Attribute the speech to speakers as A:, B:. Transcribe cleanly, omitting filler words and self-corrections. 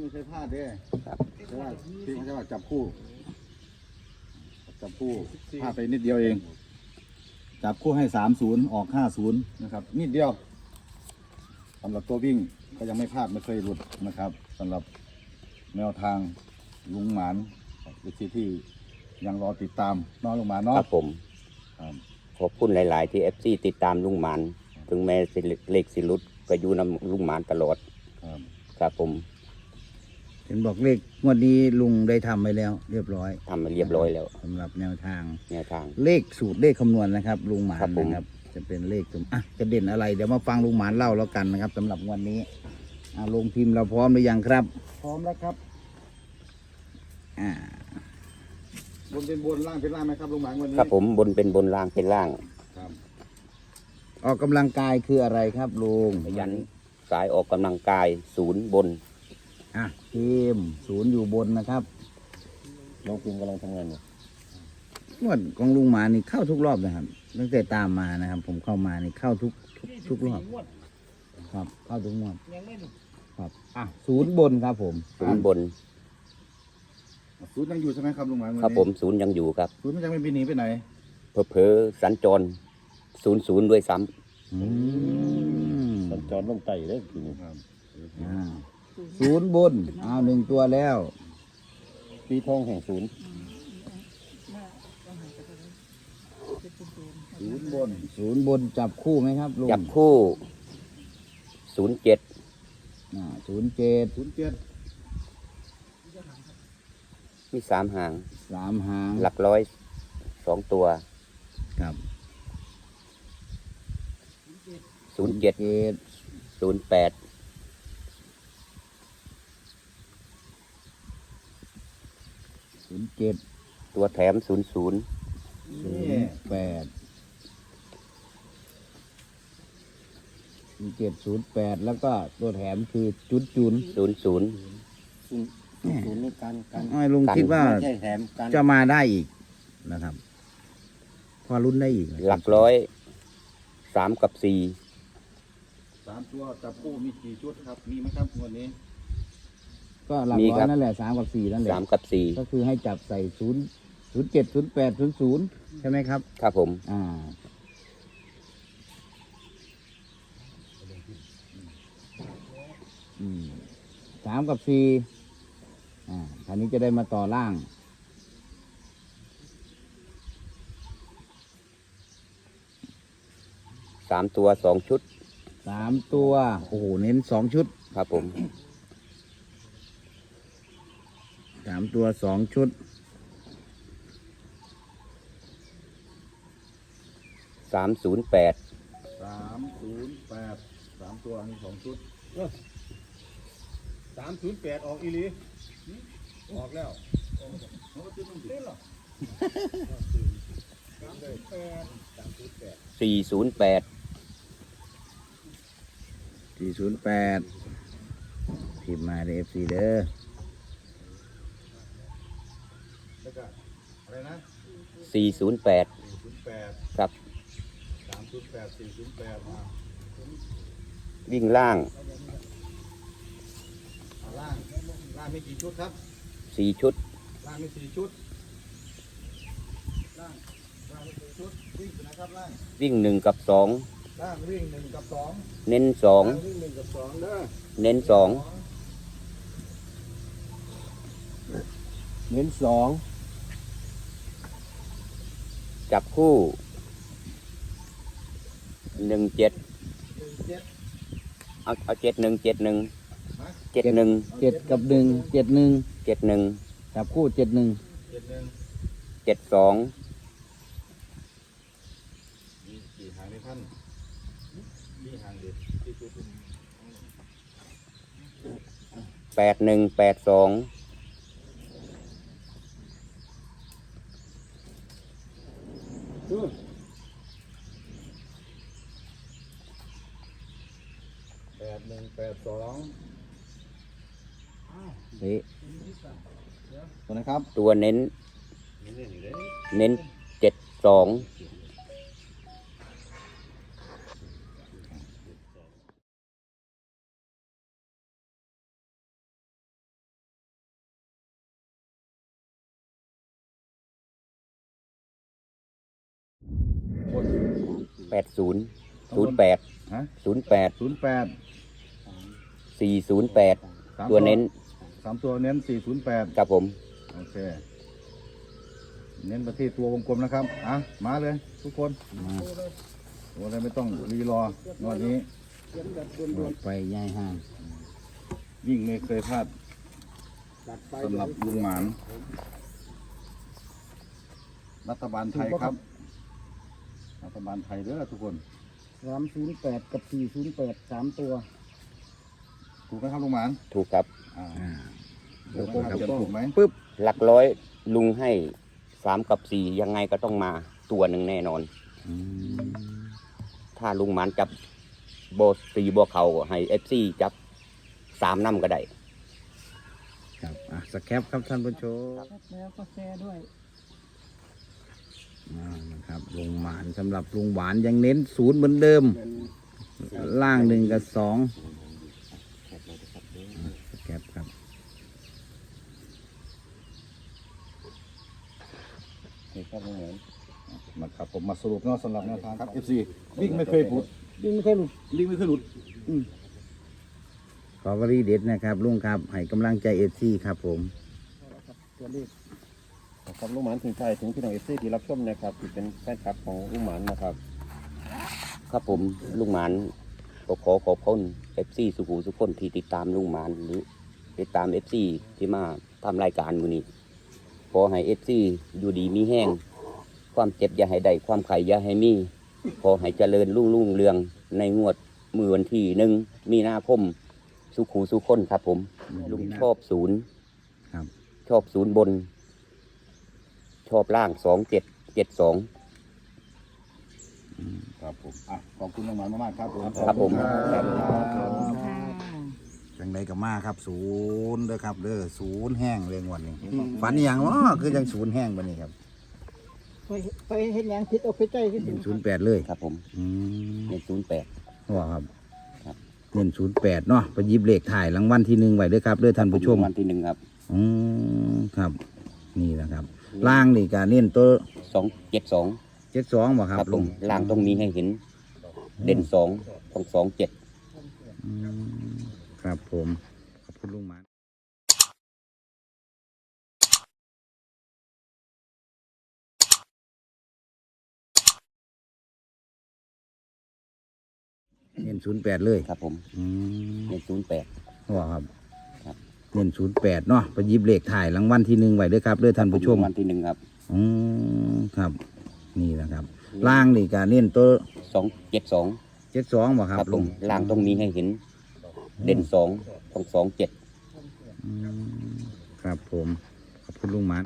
A: เคยพลาดเด้
B: ครับ
A: แต่ว่าที่เขาจะว่าจับคู่พลาดไปนิดเดียวเอง จับคู่ให้30ออก50นะครับนิดเดียวสำหรับตัววิ่งก็ยังไม่พลาดไม่เคยหลุดนะครับสำหรับแนวทางลุงหมานวิธีที่ยังรอติดตามน้องลุงหมาน
B: ค
A: เนาะ
B: รับผม
A: ครับ
B: ขอบคุณหลาย ๆ ที่ FC ติดตามลุงหมานถึงแม้สิเล็กสิลุดก็อยู่นำลุงหมานตลอด
A: ครับ
B: ครับผม
C: เห็นบอกเลขงวดนี้ลุงได้ทำไปแล้ว เรียบร้อย
B: ทำมาเรียบร้อยแล้ว
C: สำหรับแนวทาง
B: แนวทาง
C: เลขสูตรเลขคำนวณนะครับลุงหมาน
B: ครับผม
C: นะครับ จะเป็นเลขตรงจะเด่นอะไรเดี๋ยวมาฟังลุงหมานเล่าแล้วกันนะครับสำหรับวันนี้ลงพิมพ์เราพร้อมหรือยังครับ
A: พร้อมแล้วครับ
C: อ่า
A: บนเป็นบนล่างเป็นล่างไหมครับลุงหมานวันนี้
B: ครับผมบนเป็นบนล่างเป็นล่าง
A: ครับ
C: ออกกำลังกายคืออะไรครับลุง
B: ขยันสายออกกำลังกายศูนย์บน
C: ทีมศูนย์อยู่บนนะครับ
B: น้องพิมกำลังทำงานอยู่
C: งวดของลุงหมานนี่เข้าทุกรอบนะครับตั้งแต่ตามมานะครับ ผมเข้ามานี่เข้าทุกรอบครับ เข้าทุกงวดครับศูนย์บนครับผม
B: ศูนย์บน
A: ศูนย์ยังอยู่ใช่ไหมครับลุงหมานวันนี้
B: ครับผมศูนย์ยังอยู่ครับ
A: ศูนย์มันยังไม่บินหนีไปไหน
B: เผลอๆสัญจร00ด้วยซ้
C: อืม
D: สัญจรลงไต่เลยทีนี้
A: ครับ
C: ศูนย์บนหนึ่งตัวแล้ว
D: ปีทองแห่งศูนย์
A: ศูนย์บน
C: ศูนย์บนจับคู่ไหมครับลุง
B: ำจับคู่07
C: ศูนย์เจ็ด
A: 07
B: มี3 หาง
C: 3 หาง
B: หลักร้อย2 ตัว
C: ครับ
B: 07
C: เจ็ด
B: 08
C: 07
B: ตัวแถม00
C: 08 0708แล้วก็ตัวแถมคือจุดจุน
B: 00
D: ศูนย์นี่การ
C: ลุงคิดว่า
D: ไม่ใช่แถมการ
C: จะมาได้อีกนะครับ พอรุ่นได้อีกนะ
B: หลักร้อย3 กับ 4
A: 3 ตัวจับคู่มีกี่ชุดครับมีไหมครับวันนี้
C: ก็หลัก
B: มี
C: ร้อ
B: ครั
C: ย
B: บ
C: นั่นแหละ3 กับ 4นั่นแหละ
B: 3 กับ
C: ก็คือให้จับใส่07 08 00ใช่ไหมครับ
B: 4 ครับผม
C: 3 กับ 4คราวนี้จะได้มาต่อล่าง
B: 3 ตัว 2 ชุด
C: 3 ตัว โอ้โห เน้น 2 ชุด
B: ครับผม
C: 3 ตัว 2 ชุด
B: 308
A: 308 3 ตัวมี2 ชุด
D: 308ออกอีหลีออกแล้ว
B: 408
C: 408พิมพ์มาใน FC เด้อ
A: แล้วก็อะไรนะ
B: 408
A: 08
B: ครับ
A: 308 408มา
B: วิ่งล่าง
A: ล่างมีกี่ชุดครับ
B: 4 ชุด
A: ล่างมี4 ชุดล่างมี4 ชุดวิ่งอยู่นะครับล่าง
B: วิ่ง 1 กับ
A: ล่างวิ่ง1 กับ 2
B: 2 เน้น
A: ล่างวิ่ง1 กับ 2เด้อ
B: 2 เน้น
C: เน้น
B: 2 จับคู่ 17
A: 17
B: เอา71 71 71
C: 2 7 กับ 1 71
B: 71
C: จับคู่ 71
A: 71
B: 72
A: มีกี่หางในท่านมีหางเด็ดที่ชุด
B: 81 82
A: 81 82
C: เฮ้ย
A: ตัวนะครับ
B: ตัวเน้น เน้น 72 08
A: ฮะ
B: 08
A: 08
B: 408 ตัวเน้น
A: 3 ตัวเน้น 408
B: ครับผม
A: โอเค เน้นไปที่ตัววงกลมนะครับ อ่ะ มาเลยทุกคนตัวอะไรไม่ต้องรีรองวดนี้
C: ไปย่ายห้าง
A: ยิ่งไม่เคยพลาดสำหรับลุงหมาน รัฐบาลไทยครับ รัฐบาลไทยเด้อทุกคน
D: 308 กับ 408 3 ตัว
A: ถูกไหมครับลุงหมาน
B: ถูกครับ
A: อ่า
C: เดี๋ยว
A: ถูกไหมครับเขียนถูกไหม
C: ปึ๊บ
B: หลักร้อยลุงให้3 กับ 4 ยังไงก็ต้องมาตัวหนึ่งแน่นอน
C: อืม
B: ถ้าลุงหมานจับโบสีบัวเขาให้ FC จับ3น้ำก็ได้
C: ครับสแคปครับท่านผู้ชม
D: แล้วก็แชร์ด้วย
C: นะครับลุงหมานสำหรับลุงหวานยังเน้น0เหมือนเดิม ล่าง1 กับ 2สแคปครับ
A: ครับลุงหมานนะครับผมมาสรุปเนาะสำหรับแนวทางครับ FC วิ่งไม่เคยหลุด
D: ยิ่งไม่เคยหลุด
A: วิ่งไม่เคยหลุด
C: ขอวรีเด็ดนะครับลุงครับให้กำลังใจเอซี่ครับผม
D: ตัวเลขครับลุงหมานถึงใจถึงพี่น้องเอฟซีที่รับชมนะครับที่เป็นแฟนคลับของลุงหมานนะครับ
B: ครับผมลุงหมานก็ขอขอบคุณ FC สุขุสุขคนที่ติดตามลุงหมานหรือติดตาม FC ที่มาทำรายการมือนี้ขอให้ FC อยู่ดีมีแห้งความเจ็บอย่าให้ได้ความไข่อย่าให้มีขอให้เจริญรุ่งเรืองในงวดมือวันที่1 มีนาคมสุขุสุขคนครับผมลุงชอบ0
C: ครับ
B: ชอบ0 บน ชอบล่าง 2772
A: ครับผมอ่ะขอบคุณลุงหมานมากๆครับผม
B: ครับผม
A: ครับ
C: จังใดกับมาครับ0เด้อครับเด้อ0แห้งเลยงวดนี้ฝันอหย่างวะคือจัง0แห้งบัดนี้ครับ
D: ไปเห็นอย่างผิดเอาไปใจที่
C: เน้น08เลย
B: ครับผม
C: อืม
B: เป็น08
C: ว่าครับ
B: ครับ
C: เน้น08เนาะไปหยิบเลขถ่ายรางวัลที่1ไว้เด้อครับเด้อท่านผู้ชม
B: วันที่1ครับ
C: อืมครับ นี่แหละครับ ล่างนี่ก็เน้นตัว
B: 272
C: 72บ่ค
B: ค
C: รั
B: รั
C: บบ ลุ
B: ผม
C: ง
B: ล่างต้องมีให้เห็น เด่น2ต้อง27
C: อืมครับผมขอบคุณลุงหมานเน้น08เลย
B: ครับผม
C: อืม
B: เด่น08
C: ว่าครับ
B: ครับ
C: เน้น08เนาะไปหยิบเลขถ่ายรางวัลที่1ไว้เด้อครับเด้อท่านผู้ชม
B: วันที่1ครับ
C: อืมครับ นี่แหละครับ ล่างนี่ก็เน้นตัว
B: 272
C: 72บ่ค
B: ค
C: รั
B: รั
C: บบ ลุ
B: ผม
C: ง
B: ล่างต้องมีให้เห็น เด่น2ต้อง27
C: อืมครับผมขอบคุณลุงหมาน